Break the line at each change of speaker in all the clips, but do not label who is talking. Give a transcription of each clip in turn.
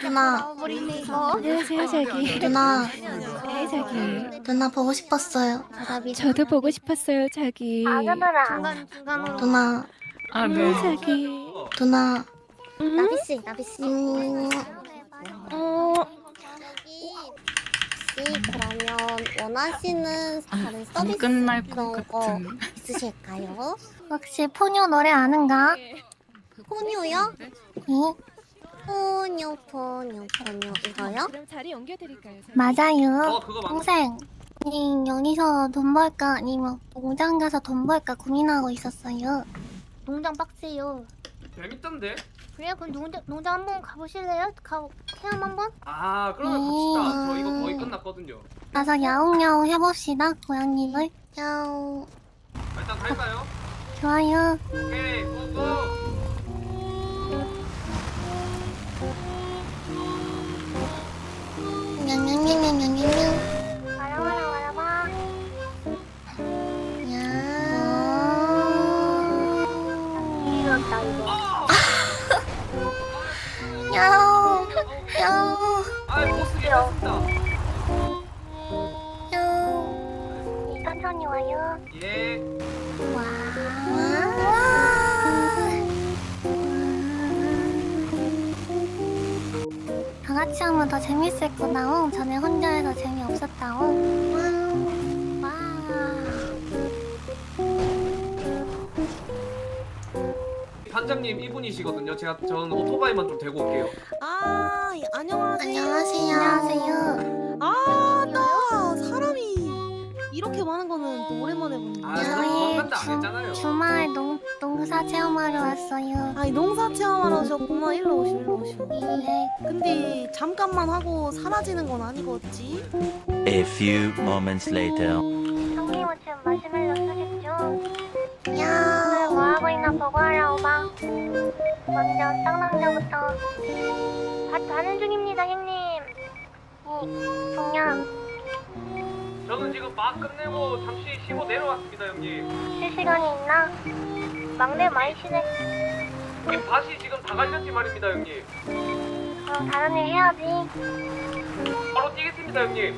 누나.
안녕하세요, 자기.
누나.
네, 자기.
누나 보고 싶었어요.
저도 보고 싶었어요, 자기.
누나.
네, 자기.
누나.
나비씨, 나비씨. 혹시 그러면 원하시는 다른 서비스
끝날 것
그런 거
같은.
있으실까요?
혹시 포뇨 노래 아는가?
포뇨요?
네?
포뇨 이거요?
그럼 자리 옮겨드릴까요, 자기?
맞아요.
그거 맞
동생. 여기서 돈 벌까 아니면 농장 가서 돈 벌까 고민하고 있었어요.
농장 빡세요.
재밌던데?
그래요? 그럼 농장 한번 가보실래요? 체험 한번?
아 그러면 갑시다. 저 이거 거의 끝났거든요.
가서 야옹야옹 해봅시다, 고양이들. 야옹.
일단 갈까요?
좋아요.
오케이 고고.
냥냥냥냥냥냥.
와라와라. 이렇다 이거.
야옹. 야옹.
아 보스 괜찮습니다.
야옹.
천천히 와요.
예.
다 같이 하면 더 재밌을 거다옹. 전에 혼자 해서 재미없었다옹. 와.
반장님 이분이시거든요. 저는 오토바이만 좀 대고 올게요.
안녕하세요.
안녕하세요.
나 사람이 이렇게 많은 거는 또 오랜만에 보네.
아 제가 도망간다 안 했잖아요.
주말 농사 체험하러 왔어요.
아니 농사 체험하러 오셨구나. 일로 오시오.
네.
근데 잠깐만 하고 사라지는 건 아니겠지?
A few moments later.
형님은 지금 마시멜로 쓰겠죠?
야.
뭐 하고 있나 보고 하라 오바. 먼저 쌍남자부터 가는 중입니다 형님. 동양
저는 지금 막 끝내고 잠시 쉬고 내려왔습니다 형님.
쉴 시간이 있나? 막내 많이 쉬네.
이 밭이 지금 다 갈렸지 말입니다 형님.
그럼 다른 일 해야지.
바로 뛰겠습니다 형님.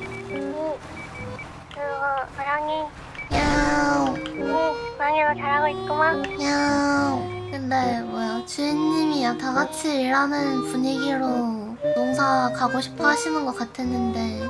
그리고 고양이
야옹.
고양이도 잘하고 있구만.
야옹. 근데 뭐야, 주인님이야 다 같이 일하는 분위기로 농사 가고 싶어 하시는 것 같았는데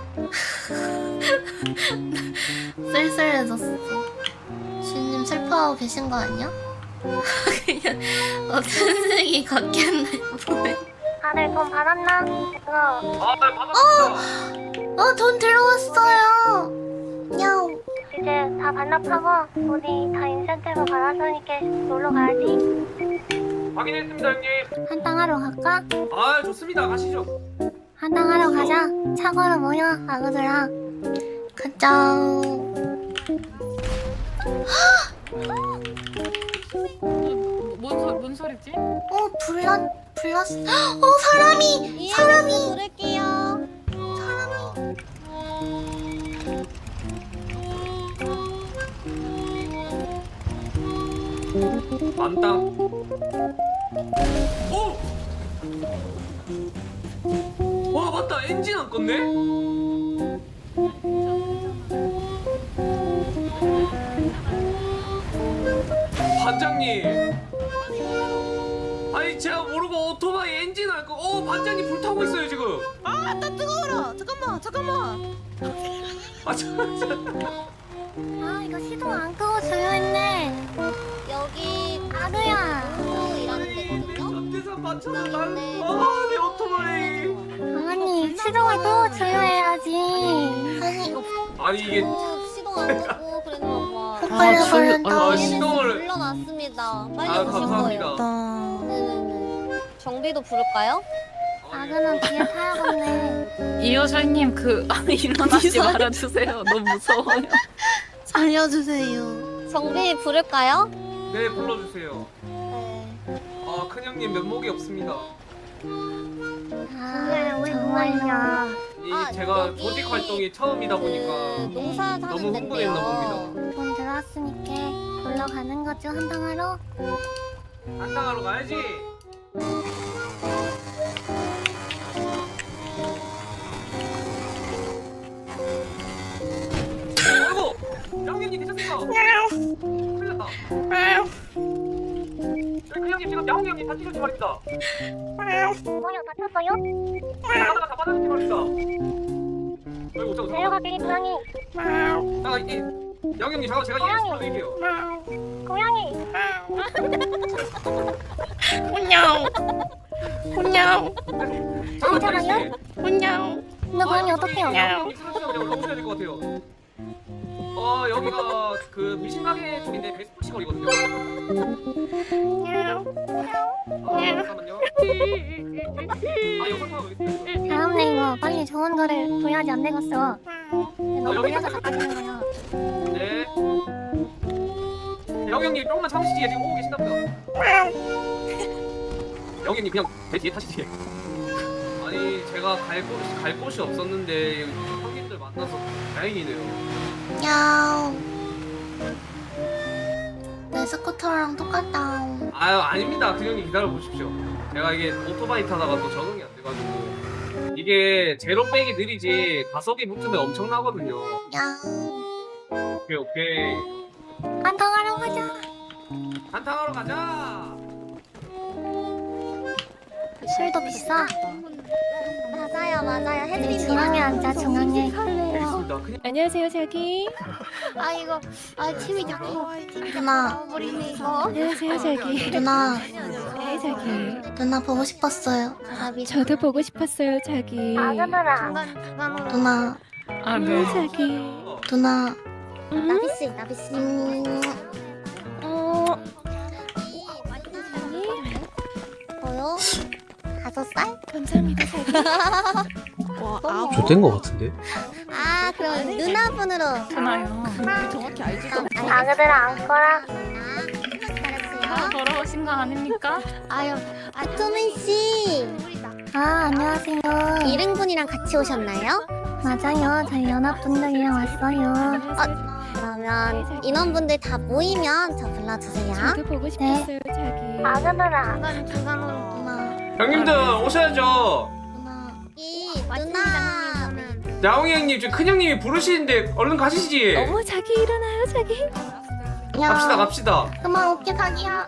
쓸쓸해졌어. 주인님 슬퍼하고 계신 거 아니야? 그냥 어쩐지 같겠네. 뭐해?
다들 돈 받았나? 그거
아 받았습니다.
돈 들어왔어요. 야옹.
이제 다 반납하고 우리 다 인센티브 받았으니까 놀러 가야지.
확인했습니다 형님.
한탕 하러 갈까?
아 좋습니다. 가시죠.
한탕 하러 가자. 차고로 모여, 아그들아. 가자.
뭔 소리지?
불났어. 사람이!
부를게요.
만땅. 오! 와 맞다 엔진 안 껐네? 반장님. 아니 제가 모르고 오토바이 엔진 안 끄고 반장님 불타고 있어요 지금.
나 뜨거워라. 잠깐만.
이거 시동 안 끄고 조용했네.
여기
아그야.
일하는 데거든요.
전재산 맞춰서 내 오토바이.
아니, 시동을 끄고 조용해야지.
아니 이게
시동 안 끄고 그랬나 봐.
헛걸려 버린다.
시동을
불러놨습니다. 빨리 오실
감사합니다.
거예요. 네네네. 정비도 부를까요?
아그는 뒤에 타야겠네.
이호철님 일어나지 말아주세요. 너무 무서워요.
살려주세요.
정비 부를까요?
네 불러주세요.
네.
아 큰형님 면목이 없습니다.
정말요.
제가
여기
조직 활동이 처음이다 보니까
농사
너무
사는
흥분했나
데인데요.
봅니다.
돈 들어왔으니까 놀러 가는 거죠, 한탕 하러?
한탕하러 가야지. 형님 되셨습니까? 큰일 났다. 그 형님 지금 야옹이 형님 다치셨지 말입니다.
고양이 다쳤어요?
가다가 잡아주셨지 말입니다. 아이고 잠깐.
내려가기 고양이.
잠깐 이게 야옹이 형님 잠깐 제가 이해 시켜드릴게요.
고양이.
잠깐 다리 씨.
근데 고양이 어떡해요?
형님 쓰러지면 그냥 올라오셔야 될 것 같아요. 여기가 그 미신가게 쪽인데 베스푸시 거리거든요. 잠깐만요. 여기 타고 있어요.
다음에 이거 빨리 좋은 거를 보여야지 안 되겠어. 너무
여기
보여서 자빠지는 거야.
네. 영희 형님 조금만 참으시지. 지금 오고 계신다 보다. 영희 형님 그냥 배 뒤에 타시지. 아니 제가 갈 곳이 없었는데 형님들 만나서 다행이네요.
야옹. 내 스쿠터랑 똑같다.
아유 아닙니다. 그 형님 기다려 보십시오. 제가 이게 오토바이 타다가 또 적응이 안 돼가지고 이게 제로백이 느리지 가속이 붙으면 엄청나거든요.
야옹.
오케이.
한탕하러 가자.
한탕하러 가자.
술도 비싸.
맞아요.
우리
해드립니다.
중앙에 앉자, 중앙에.
알겠습니다. 그냥
안녕하세요 자기.
팀이 자꾸. 누나,
안녕하세요 자기.
누나,
네 자기.
누나 보고 싶었어요.
저도 보고 싶었어요 자기.
아가들아.
누나,
네 자기.
누나.
나비씨. 뭐요? 5살?
감사합니다 자기.
좋된 것 같은데?
아 그럼 누나분으로.
괜찮아요.
아가들아 안거라.
더러우신 거 아닙니까?
토민 씨.
안녕하세요.
1인분이랑 같이 오셨나요?
맞아요. 저희 연합분들이랑 왔어요.
그러면 인원분들 다 모이면 저 불러주세요.
저도 보고 싶었어요 자기.
아가들아.
누나,
형님들 오셔야죠.
누나.
누나.
야옹이 형님 지금 큰 형님이 부르시는데 얼른 가시지.
어머 자기 일어나요 자기.
갑시다.
그만 올게, 자기야.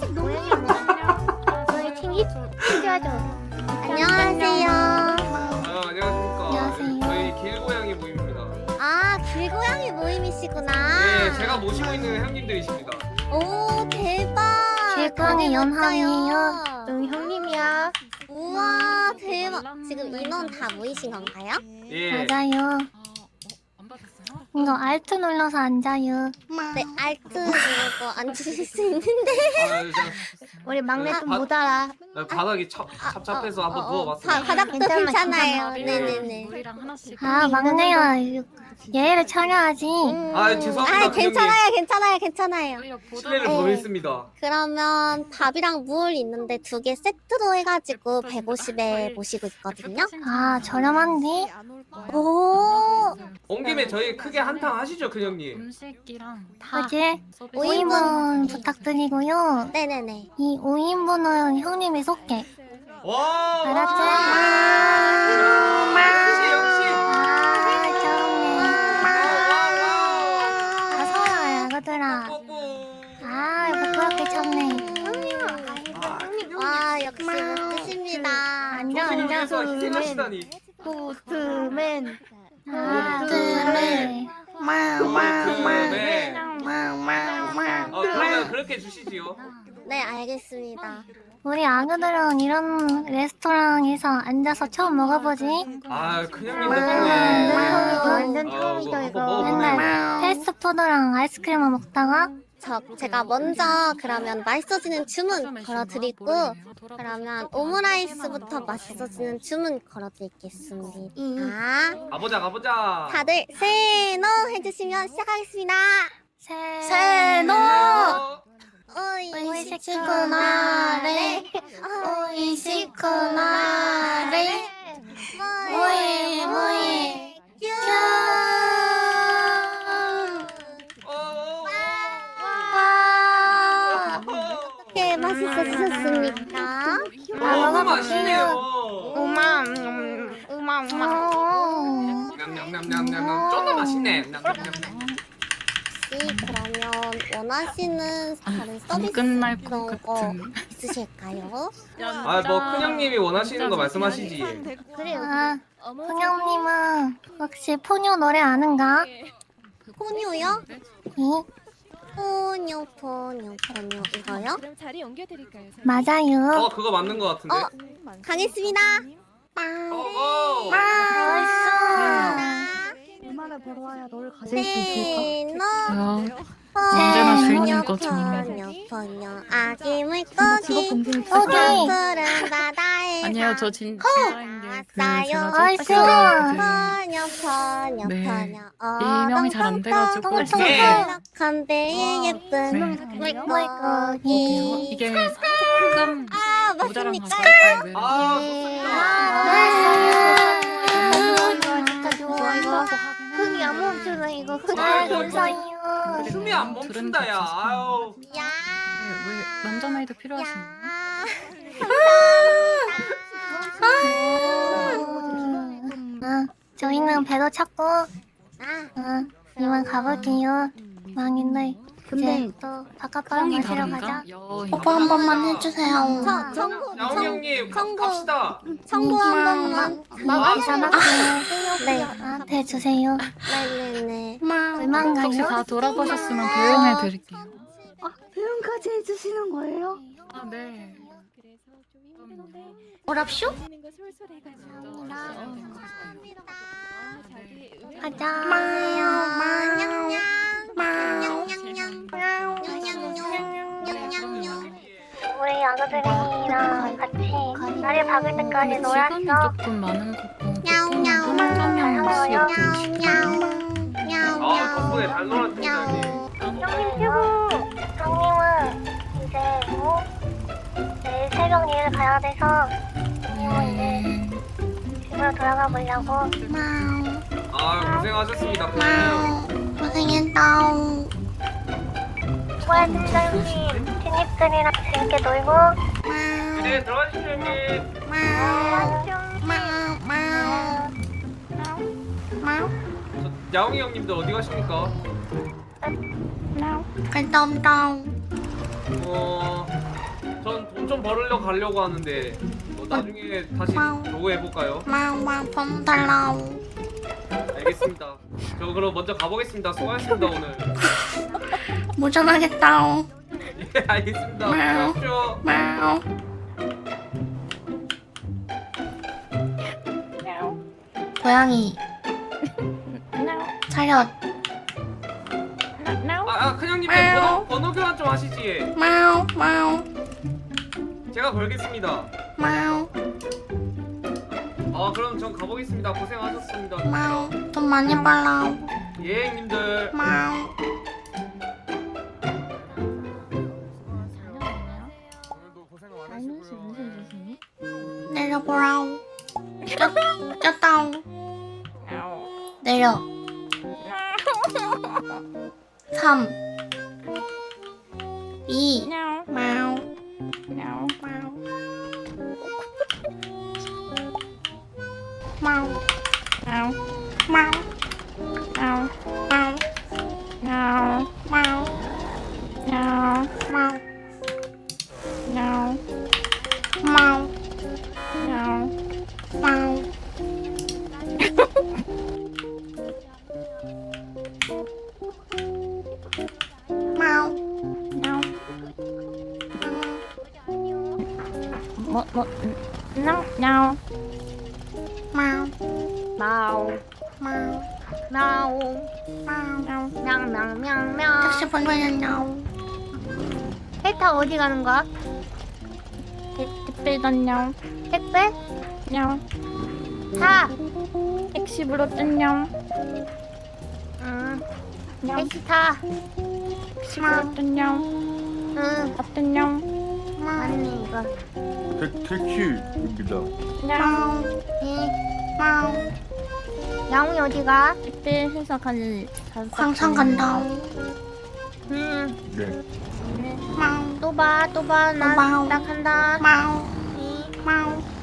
저희 챙겨야죠. 안녕하세요.
안녕하십니까.
안녕하세요.
저희 길고양이 모임입니다.
아 길고양이 모임이시구나.
네, 제가 모시고 있는 형님들이십니다.
오 대박.
길고양이 연합이에요.
형님이야. 우와 대박. 지금 인원 다 모이신 건가요?
예.
맞아요.
안 받았어요?
이거 알트 눌러서 앉아요.
네 알트 누르고 앉으실 수 있는데.
우리 막내
좀 못
알아.
바닥이 찹찹해서 한번 누워봤어요.
바닥도 괜찮아요.
괜찮아요.
네네네.
물이랑 하나씩.
막내야. 예의를 차려야지.
죄송합니다.
괜찮아요.
오히려
실례를
네.
범했습니다.
그러면 밥이랑 물 있는데 2개 세트로 해가지고 150에 모시고 있거든요.
저렴한데?
오.
온 김에 저희 크게 한탕 하시죠, 큰 형님.
음식이랑 다
그지?
서비스.
5인분 부탁드리고요.
네네네.
이 5인분은 형님이 쏠게.
와.
알았지?
역시.
좋네. 어서와, 야구들아. 부끄럽게 쳤네.
와 역시 멋지십니다.
앉아서 희생하시다니.
보트맨.
그러면 그렇게 주시지요.
네 알겠습니다.
우리 아그들은 이런 레스토랑에서 앉아서 처음 먹어보지?
큰 형님 덕분에.
완전
처음이다, 이거.
맨날 패스트푸드랑 아이스크림만 먹다가
제가 먼저 그러면 맛있어지는 주문 걸어드리고 그러면 오므라이스부터 맛있어지는 주문 걸어드리겠습니다.
가보자.
다들 세노 해주시면 시작하겠습니다.
세노! 오이시쿠나레 오이시쿠나레 모이
어떻게 맛있어지셨습니까?
너무 맛있네요. 냠냠냠냠냠. 좀 더 맛있네. 냠냠냠.
그러면 원하시는 다른
안
서비스
끝날 것
그런 거
같은.
있으실까요?
아 뭐 큰형님이 원하시는 거 말씀하시지.
그래요.
아, 풍영님은 혹시 포뇨 노래 아는가?
포뇨요?
이?
포뇨 이거요?
그럼 자리 옮겨드릴까요? 자기?
맞아요.
그거 맞는 거 같은데.
가겠습니다.
어.
얼마나 벌어와야 너를 가질 수
네,
있을까?
언제나 주인이거든.
포뇨 아기
직업
물고기
검증이
오케이.
푸른 바다에
아니에요, 저 진짜인 게
왔어요.
나이스.
포뇨
네. 일명이 잘 안 돼가지고.
네.
한 배의 예쁜
네.
물고기.
이게 조금
아
모자란
맞습니까?
가사인데.
진짜 좋아 이거. 흥이 안 멈추네 이거. 감사해요.
숨이 안 멈춘다 야. 아유.
야.
왜 남자 나이도 필요하신가요?
저희는 배도 찾고 이만 가볼게요. 망인들 이제 또 바깥바람
성이
마시러
다른가?
가자.
여인.
오빠 한 번만 해주세요.
야옹 형님 갑시다.
청구 한 번만.
마음이 전화할게.
네.
나한테 주세요.
네네네.
얼마인가요?
혹시 다 돌아보셨으면 배웅해 드릴게요.
표현까지 해주시는 거예요?
아, 네.
그래서 좀 힘든데
오랍쇼?
하는 거 솔솔해가지고. 자기 의외로
가자.
우리 아가들이랑 같이 날이 밝을 때까지
시간이
놀았어.
조금 많은 것 같고.
야옹야옹.
한정형씩
아 덕분에 잘 놀았습니다 형님.
형님 최고. 형님은 이제 내일 새벽 일을 가야 돼서 형님은 이제 집으로 돌아가 보려고.
아 고생하셨습니다 형님.
고생했다.
수고하셨습니다 형님. 친입들이랑 재밌게 놀고.
네 들어가십시오 형님. 저 야옹이 형님들 어디 가십니까?
갔다 온다.
전 돈 좀 벌으려 가려고 하는데 나중에 다시 로그 해볼까요?
번 달라.
알겠습니다. 저 그럼 먼저 가보겠습니다. 수고하셨습니다 오늘.
모전하겠다.
예 알겠습니다. 수고하십시오.
고양이. 차렷.
큰형님 번호 교환 좀 하시지. 제가 걸겠습니다. 그럼 전 가보겠습니다. 고생하셨습니다.
돈 많이 벌라.
예 형님들.
내려보라우. 꼈다우. 내려. 3 2 마우 마우 마우 마우 마우 마우 마우 마우 마우 마우 마우 마우 마우 마우 택시 번호였냐우
헬타 어디 가는 거야?
택배 다녀
택배?
냥
타.
택시 불렀던냥
택시 타.
택시 불렀던냥
응.
어떤냥
맞네 이거.
택시입니다.
냥 마우
야옹이 어디 가?
택배 회사 가는 광산 간다
네.
마우
또 봐. 나 간다.
마우 마우